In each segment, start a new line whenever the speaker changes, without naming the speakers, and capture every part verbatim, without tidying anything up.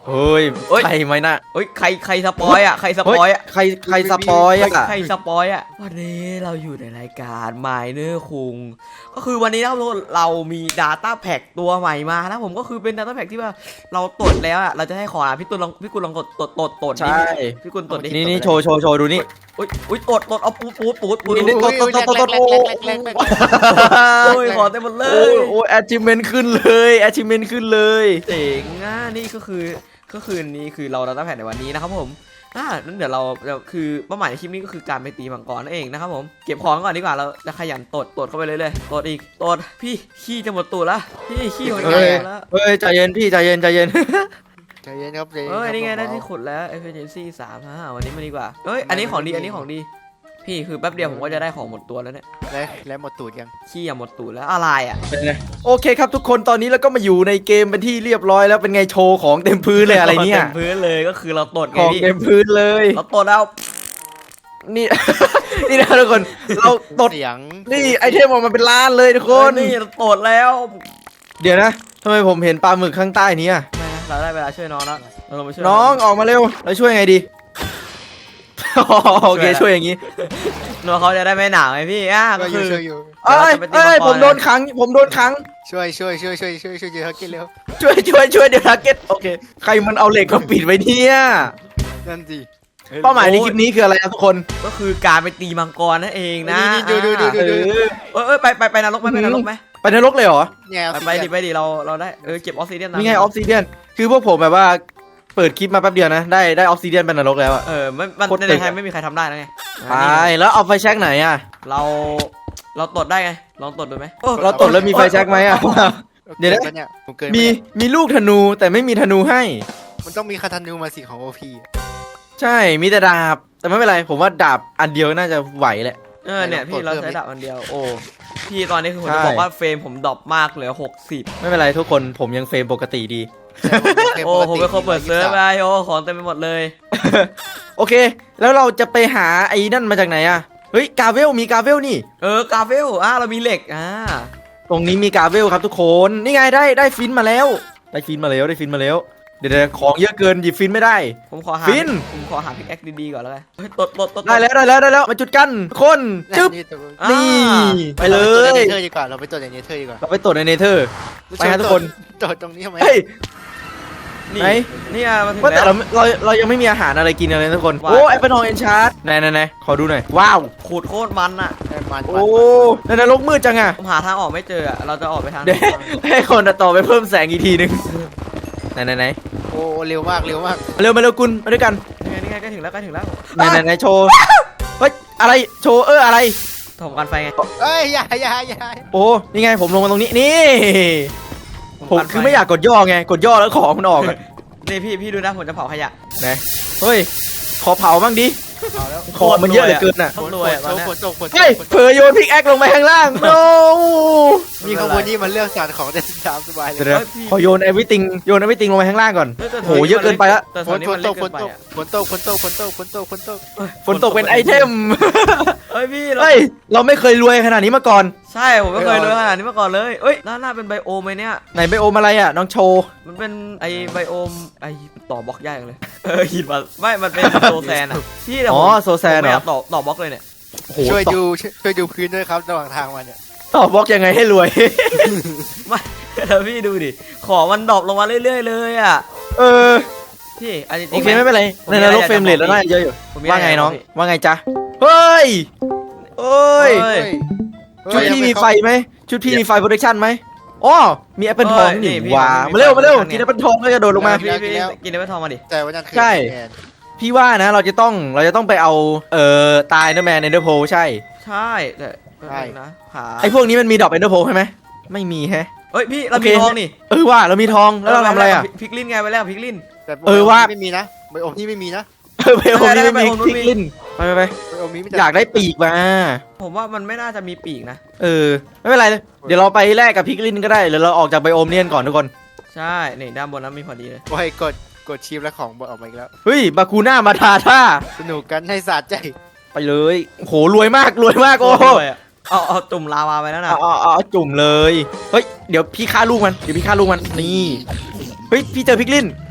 เฮ้ยใครไหมนะ
เฮ้ยใครใครสปอยอ่ะใครสปอยอ่ะ
ใครใครสปอยอ่ะ
ใครสปอยอ่ะวันนี้เราอยู่ในรายการไมเนอร์คุงก็คือวันนี้เราเรามี Data Pack ตัวใหม่มานะผมก็คือเป็น Data Pack ที่ว่าเราตรวจแล้วอ่ะเราจะให้ขอพี่ตุลลองพี่กุลลองกดตรวจตรวจตรวจ
ใช่
พี่กุลตรวจดิ
นี่นี่โชว์โชว์โชว์ดูนี่
อุ้ยอุ้ยตรวจตรวจเอาปูดปูดปูดปูด
นี่ตรวจตรวจตรวจตรวจ
โอ้ยขอเต็มหมดเลย
โอ้ย achievement ขึ้นเลย achievement ขึ้นเลย
เจ๋งอ่ะนี่ก็คือก็คือนี้คือเราดัตต้าแพดในวันนี้นะครับผมอ่านั้นเดี๋ยวเราคือเป้าหมายในคลิปนี้ก็คือการไปตีมังกรนั่นเองนะครับผมเก็บของก่อนดีกว่าเราจะขยันตดตดเข้าไปเลยเลยตดอีกตดพี่ขี้จะหมดตูดแล้วพี่ขี้หมดแล้ว
เฮ้ยใจเย็นพี่ใจเย็นใจเย็น
ใจเย็นครับใจเย็น
เฮ้ยนี่ไงได้ที่ขุดแล้ว efficiency สามฮะวันนี้มาดีกว่าเฮ้ยอันนี้ของดีอันนี้ของดีพี่คือแป๊บเดียวผมก็จะได้ของหมดตัวแล้วเนี่ย
แล้วแล้วหมดตูดยัง
ขี้อย่าหมดตูดแล้วอะไรอ่ะ
โอเคครับทุกคนตอนนี้เราก็มาอยู่ในเกมเป็นที่เรียบร้อยแล้วเป็นไงโชว์ของเต็มพื้นเลยอะไรเนี่ย
เต็มพื้นเลยก็คือเราตดไง
ของเต็มพื้นเลย
เราตดแล้ว
นี่นี่นะทุกคนเราตด
เสียง
นี่ไอเทมออกมาเป็นล้านเลยทุกคน
นี่เราตดแล้ว
เดี๋ยวนะทำไมผมเห็นปลาหมึกข้างใต้นี้อ่ะ
เราได้เวลาช่วยน้องแล้วเราลงไปช่วย
น้องออกมาเร็วเราช่วยไงดีโอเคช่วยอย่างนี้
น้องเขาจะได้ไม่หนาวไงพี่อ่ะก็คือ
เอ้ยเอ้ยผมโดนขังผมโดนขัง
ช่วยช่วยช่วยช่วยช่วยช่วยเดี๋ยวทักเก็ตเร็ว
ช่วยช่วยช่วยเดี๋ยวทักเก็ตโอเคใครมันเอาเหล็กมาปิดไว้เนี่ย
นั่นสิ
เป้าหมายในคลิปนี้คืออะไรครับทุกคน
ก็คือการไปตีมังกรนั่นเองนะ
ดูดูดูดูดู
เอ้ยไปไปไปนรกไหมไปนรกไหม
ไปนรกเลยเหรอ
ไปดิไปดิเราเราได้เออเก็บออฟซิเดียน
นี่ไงออฟซิเดียนคือพวกผมแบบว่าเปิดคลิปมาแป๊บเดียวนะได้ได้ออฟซิเดียนเป็นนรกแล้วอะ
เออมันมันในไทยไม่มีใครทำได้นะไง
ไปแล้วเอาไฟแช็กไหนอะ
เราเราตดได้ไงลองตดดูไหม
เราตดแล้วมีไฟแช็กไหมอะเดี๋ยวนะมีมีลูกธนูแต่ไม่มีธนูให้
มันต้องมีคาธนูมาสิของโอพี
ใช่มีแต่ดาบแต่ไม่เป็นไรผมว่าดาบอันเดียวน่าจะไหวแหละ
เออเนี่ยพี่เราใช้ดาบอันเดียวโอ้พี่ตอนนี้คือผมจะบอกว่าเฟรมผมดรอปมากเหลือหกสิบ
ไม่เป็นไรทุกคนผมยังเฟรมปกติดี
โอ้ผมเป็นคนเปิดเซิร์ฟไปโอ้ของเต็มไปหมดเลย
โอเคแล้วเราจะไปหาไอ้นั่นมาจากไหนอะเฮ้ยกาเวลมีกาเวลนี่
เออกาเวลอ่ะเรามีเหล็กอ่า
ตรงนี้มีกาเวลครับทุกคนนี่ไงได้ได้ฟินมาแล้วได้ฟินมาแล้วได้ฟินมาแล้วเดี๋ยวของเยอะเกินหยิบฟินไม่ได้
ผมขอหา
ฟิน
ผมขอหาพิกแอคดีๆก่อนแล้วกันเฮ้ยตดตดตด
ได้แล้วได้แล้วได้แล้วมาจุดกันคนจึ๊บนี่ไปเลย
เนเธอร์ดีกว่าเราไปตรวจในเนเธอร์ดีกว่า
เราไปตรวจในเนเธอร์ไปฮะทุกคน
ตรวจตรงนี้ทำไม
นี่นี่อ่ะมาถึง
แล้วแต่เราเราเรายังไม่มีอาหารอะไรกินเลยทุกคนโอ้แอปเปิลทองเอนชาร์ดไหนไหนไหนขอดูหน่อยว้าว
ขูดโคตรมันอ่ะ
โอ้ในนรกมืดจังอ่ะ
ผมหาทางออกไม่เจอเราจะออกไปทาง
เดี๋ยวให้คนต่อไปเพิ่มแสงอีกทีนึงไหนไหนไหน
โอ้เร็วมากเร็วมาก
เร็วมาเร็วกุลมาด้วยกัน
นี่ไงนี่ไงใกล้ถึงแล้วใกล้ถึงแล้ว
ไหนไหนไหนโชว์เฮ้ยอะไรโชว์เอออะไร
ถมกันไฟไง
เอ้ยอย่าอย่าอย่า
โอ้นี่ไงผมลงมาตรงนี้นี่ผมคือไม่อยากกดย่อไงกดย่อแล้วของมันออก
นี่พี่พี่ดูนะผมจะเผาขยะ
ไหนเฮ้ยขอเผาบ้างดิของมันเยอะเหลือเกินอ่ะ
รวยอ่ะ
เฮ้ยเผยโยนพิกแอคลงไปข้างล่างโน้
มีขบวนนี้มันเลือกสารของได้ตามสบายเลย
ขอโยนเอวิติงโยนเอวิติงลงไปข้างล่างก่อนโหเยอะเกินไปละ
ฝนตกฝนตกฝนตกฝนตกฝนตกฝนตกฝนตก
ฝนตกเป็นไอเทม
เฮ้ยพี่
เฮ้ยเราไม่เคยรวยขนาดนี้มาก่อน
ใช่ผมไม่เคยรวยขนาดนี้มาก่อนเลยเอ้ยหน้าหน้าเป็นไบโอมไหมเนี่ย
ไหนไบโอมอะไรอ่ะน้องโชว์
มันเป็นไอไบโอมไอต่อบล็อกยากเลยเออหินมาไม่มันเป็นโซแซนอ่ะพี่
อ๋อโซแซนเหรอ
ต่อต่อบล็อกเลยเนี่ย
ช่วยดูช่วยดูพื้นด้วยครับระหว่างทางมาเนี่ย
ต่อบล็อกยังไงให้รวย
ไม่แล้วพี่ดูดิของมันดรอปลงมาเรื่อยๆเลยอ่ะ
เออ
พี่
โอเคไม่เป็นไรในนรกเฟรมเรทแล้วน่าเยอะอยู่ว่าไงน้องว่าไงจ๊ะเฮ้ยเอ้ยชุดพี่มีไฟไหมชุดพี่มีไฟโปรดักชั่นไหมอ๋อมีแอปเปิลทองนี่ว้ามาเร็วมาเร็วกินแอปเปิลทองแล้วจะโดดลงมา
พี่พี่กินแอปเปิลทองมาดิ
แต่วันนั้น
ใช่พี่ว่านะเราจะต้องเราจะต้องไปเอาเอ่อตายเนอร์แมนเอนเดอร์โพใช่
ใช่แต่ใช่นะ
ไอพวกนี้มันมีดอกเอนเดอร์โพใช่ไหมไม่มีแฮะ
เฮ้ยพี่เรามีทองนี่
เออว่าเรามีทองแล้วเราทำอะไรอ่ะ
พิกลินไงไปแล้วพิกลิน
เออว่า
ไม่มีนะไบโอมนี่ไม่มีนะ
ไบโอมนี่ไม่มีพิกลินไปไปไปอยากได้ปีกมา
ผมว่ามันไม่น่าจะมีปีกนะ
เออไม่เป็นไรเลยเดี๋ยวเราไปแลกกับพิกลินก็ได้หรือเราออกจากไบโอมเนียนก่อนทุกคน
ใช่นี่ด้านบนนั้นมีพอดีเลย
โอ้ยกดกดชิปแล้วของบออกมาอีกแล้ว
เฮ้ยบาคูน่ามาทาท่า
สนุกกันให้สะใจ
ไปเลยโหรวยมากรวยมากโอ้
เอาเอาจุ่มลาวาไปแล้วนะ
เอาเอาจุ่มเลยเฮ้ยเดี๋ยวพี่ฆ่าลูกมันเดี๋ยวพี่ฆ่าลูกมันนี่เฮ้ยพี่เจอพิกลิน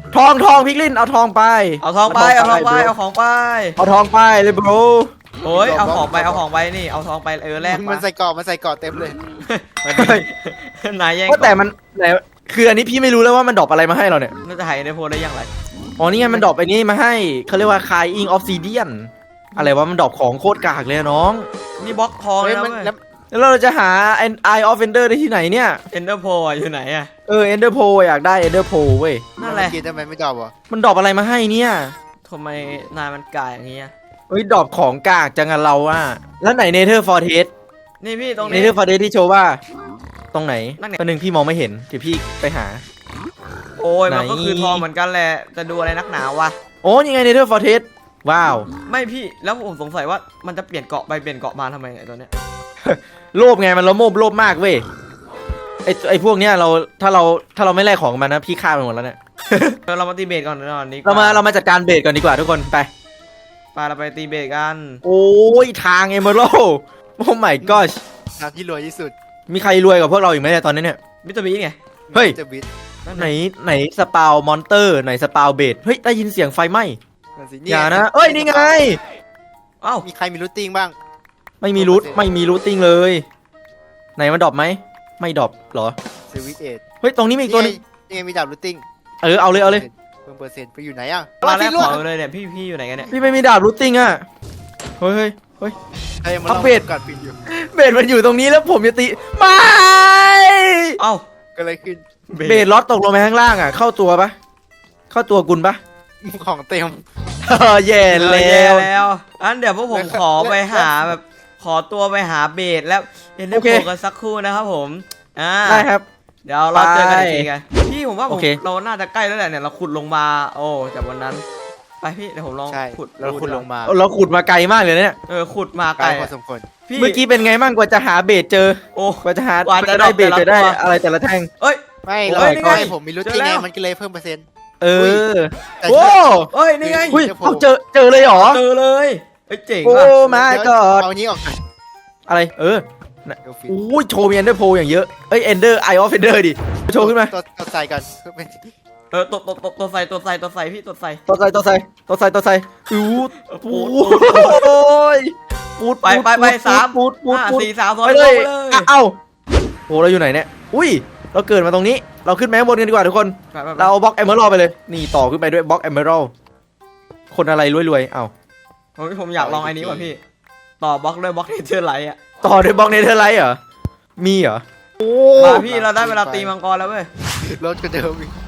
ทองทองพิกลินเอาทองไป
เอาทองไปเอาทองไปเอาของไป
เอาทองไปเลยบร
โอ้ยเอาของไปเอาของไปนี่เอาทองไปเออแลก
มันใส่เกาะมันใส่เกาะเต็มเลย
นายแย่ง
ว่าแต่มันไหนคืออันนี้พี่ไม่รู้แล้วว่ามันดรอปอะไรมาให้เราเนี่ย
น่าจะหายในโพลได้ยังไง
อ๋อนี่ไงมันดรอปไอ้นี่มาให้เขาเรียกว่าคายอิงออฟซิเดียนอะไรวะมันดรอปของโคตรกากเลยอะน้อง
นี่บล็อกทอง
เฮ้ย
แล้ว
มัน
เว้ย
แล้ว
แล้วเราจะหาไอไอออฟเอนเดอร์ได้ที่ไหนเนี่ย
เอนเดอร์โพอยู่ไหนอะ
เออเอนเดอร์โพอยากได้เอนเดอร์โพเว้ย
นั่นแหละ
กินทำไมไม่จอบวะ
มันดรอปอะไรมาให้เนี่ย
ทำไมนายมันกายอย่างเงี้ย
เฮ้ยดรอปของกากจังอะเราอะแล้วไหนเนเธอร์ฟอร์เทส
นี่พี่ตรง
เน
นี้
เธอร์ฟอร์เทสที่โชว์ว่า ตรงไหน
นั่นไง
ประหนึ่งพี่มองไม่เห็นเดี๋ยวพี่ไปหา
โอ้ยมันก็
ไหน
คือทองเหมือนกันแหละจะดูอะไรนักหนาวะ
โอ้ยังไงเนเธอร์ฟอร์เทสว้าว
ไม่พี่แล้วผมสงสัยว่ามันจะเปลี่ยนเกาะไปเปลี่ยนเกาะมาทำไมไอ้ตัวเนี้ย
โลภไงมันละโมบโลภมากเว้ยไอไอพวกเนี้ยเราถ้าเราถ้าเราไม่แลกของมันนะพี่ฆ่ามันหมดแล้วเนี่ย
เดี๋ยวเรามาตีเบสก่อนนอนนี้
เรามาเรามาจัดการเบสก่อนดีกว่าทุกคนไป
ไปเราไปตีเบสกัน
โอ้ยทางเอเมอรัลโอ้ my gosh
ทางที่รวยที่สุด
มีใครรวยกว่าพวกเราอีกไหมเนี่ยตอนนี้เนี่ย
มิสเตอร์บีไง
เฮ้ย
จะบิด
นั่น
ไหน
ไง
ไหนสปาวมอนเตอร์ไหนสปาวเบสเฮ้ยได้ยินเสียงไฟไหม้
นั่นสิ
อย่านะเอ้ยนี่ไง
เอ้า
มีใครมีรูทติ้งบ้าง
ไม่มีรูทไม่มีรูทติ้งเลย ไหนมันดรอปไหมไม่ดรอปเหรอ
สวิตเอ็ด
เฮ้ยตรงนี้มีอีกตัวหนึง
นี่ไงมีดาบรูทติ้ง
เออเอาเลยเอาเลย
เพิ่มเปอร์เซ็นต์ไปอยู่ไหนอ่ะ
มาแรก
ที่
ข
ล่ว
อง เลยเนี่ยพี่พี่อยู่ไหนกันเนี่ย
พี่ไม่มีดาบรูทติ้งอ่ะเฮ้ยเฮ้ยเฮ้ย
เฮ้ยมัน
อั
ล
ป
อง
เดต
กัดปิดอยู่
เบสมันอยู่ตรงนี้แล้วผมจะตีไม่
เอ้า
ก็เลยขึ้น
เบสล็อตตกลงไปข้างล่างอ่ะเข้าตัวปะเข้าตัวกุลปะ
ของเต็ม
เออแย่
เออ
แล้
แย่
ว
แล้วอันเดี๋ยวพวกผมขอไปหาแบบขอตัวไปหาเบสแล้วเอ็นเดอร์
โอเค
โพกันสักครู่นะครับผมอ่า
ได้ครับ
เดี๋ยวเราเจอกันอีกทีกันพี่ผมว่าผ
โอ
ม
เค
เราน่าจะใกล้แล้วแหละเนี่ยเราขุดลงมาโอ้จากวันนั้นไปพี่เดี๋ยวผมลอง
ใช่
ขุด
แล้วคุณลงมา
เราขุดมาไกลมากเลยเนี่ย
เออขุดมา
ไก
ไก
ล
ล
พอสมควร
พี่
เมื่อกี้เป็นไงบ้างกว่าจะหาเบสเจอ
โอ้
กว่าจะหาก
ว่าจะ
ได้เบส
ได้
จะได้
แต่ละตัว
อะไรแต่ละแท่ง
เอ้ย
ไม่
โอ้
เรา
ยนี่ไง
ก็ให้ผมมีรูทติ้ง
เจอแล้
ไง
ว
มันก็เลยเพิ่มเปอร์เซ็นต์
เออ
แต่
โอ้
เอ้ยนี่ไง
อุ้ย
เดี๋ยวผม
เอาเจอเจอเลยเหรอ
เจอเลยเอ้ยเจ๋ง
โอ้
ว่ะ
มา
เดี๋ยว
กอด
เอาอันนี้ออกก่อน
อะไรเออ
เดี๋ยวฟิต
อู้ยโชว์มีเอนเดอร์โพอย่างเยอะเอ้ยเอนเดอร์ไอออฟเอนเดอร์ดิโชว์ขึ้นมา
ตัวตัวใส่กันเพื่อเป็น
เออตัวตัวตัวตัวใส่ตัวใส่ตัวใส่พี่ตัวใส่
ตัวใส่ตัวใส่ตัวใส่ตัวใส่อู้
เออ
ปู
ปูด
โอ้ยปูด
ไปไปไปสาม
ปูดปูด
ห้า
ปูด
สี่สามสอง
ไป
ล
เล
ง
ย
ไปเลย
อ่ะเอ้าโหเราอยู่ไหนเนี่ยอุ้ยเราเกิดมาตรงนี้เราขึ้นแมงบนกันดีกว่าทุกคน
ไปไปไป
เราเอาบล็อกเอเมอรัลไปเลยนี่ต่อขึ้นไปด้วยบล็อกเอเมอรัลคนอะไรรวยๆเอ้า
ผมผมอยากลองไอ้นี้ว่ะพี่ต่อบล็อกด้วยบล็อกเนเธอร์ไลท์อ่ะ
ต่อด้วยบล็อกเนเธอร์ไลท์เหรอมีเหรอโอ้
มาพี่เราได้เวลาตีมังกรแล้วเว้ย
รถก็เดิมอีก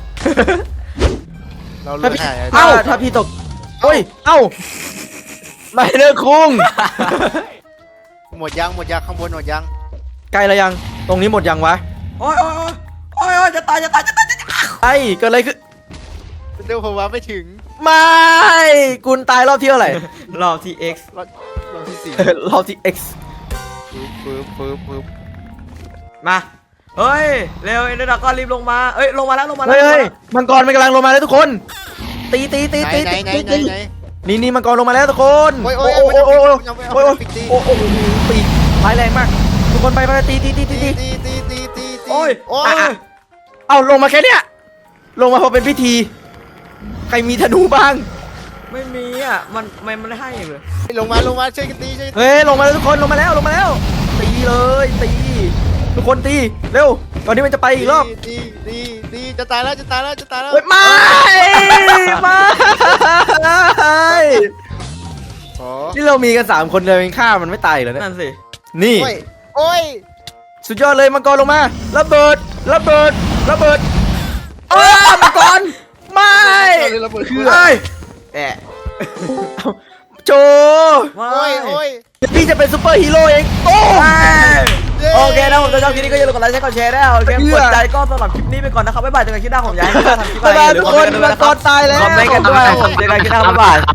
เราเลื
ถ้า
อก
พี่
หาย
เอ้าถ้าพี่ตกโอ้ยเอ้าไม่เลิกคุ้ง
หมดยังหมดยังข้างบนหมดยัง
ใกล้แล้วยังตรงนี้หมดยังวะ
โอ้ยโอ้ยโอ้ยโอ้ยโอ้ยจะตายจะตายจะตายจะตาย
ไอ้เกิดอะไรขึ้น
เดี๋ยวผมว่าไม่ถึง
ไม่กุลตายรอบที่เท่าไหร่
รอบที่ X
รอบรอบที่สี่
รอบที่ X
ปึ๊บปึ๊บปึ๊บ
มาเฮ้ยเร็วเอ็นเดอร์ดากอนรีบลงมาเอ้ยลงมาแล้วลงมาแล้
เฮ้
วย
เฮ้ยมังกรมันกำลังลงมาแล้วทุกคน ตีตีตี
ไหน
ตี
ไหน
ตี
ไหน
ตี
ไหน
ตี
ไหน
นี่นี่มังกรลงมาแล้วทุกคน
โอ้ยโอ้ย
โอ้
โอ้
โอ้
ย
โอ้โอ้
โอ้
โอ้
ย
โอ้โอ้โอ้ตีร้ายแรงมาก ทุกคนไปไปตีตีตีตี
ตี
ตี
ตีตีตีตีตี
โอ้ย
โอ้
อ่ะ
ย
อ่ะ
เอาลงมาแค่เนี้ยลงมาพอเป็นพิธี ใครมีธนูบ้าง
ไม่มีอ่ะมันไม่มันให้เลย
ลงมาลงมาช่วยกันตีช่วยกันตี
เฮ้ยลงมาแล้วทุกคนลงมาแล้วลงมาแล้ว ตีเลยตี ทุกคนตีเร็วก่อนที่มันจะไปอีกรอบ
ตีตีตีจะตายแล้วจะตายแล้วจะตายแล้ว
เฮ้ยไม่ไม่
โอ้
นี่เรามีกันสามคนเลยยังฆ่ามันไม่ตายเลยเนี่ย
นั่นสิ
นี่
โอ้ยโอ้ย
สุดยอดเลยมังกรลงมาระเบิดระเบิดระเบิดเอ้ยมังกรไม่
ระเบิด
เอ้ย
แอะ
โจ
ไม่
โอ้ยโอ้ย
พี่จะเป็นซูเปอร์ฮีโร่เองโอ้
โอเคนะผมจะชอบคลิปนี้ก็อย่าลืมกดไลค์กดแชร์ได้โอเค
เพื่
ก
อ
ดใจก็สำหรับคลิปนี้ไปก่อนนะครับบ๊ายบายเจอกันคลิปหน้าผมย้ายให้ทำคลิป
บ๊ายบาย
อะไร
ทุกคนมังกรตายแล้ว
คอมเมนต์กันด้วยผมเจอกันคลิปหน้าบ๊ายบาย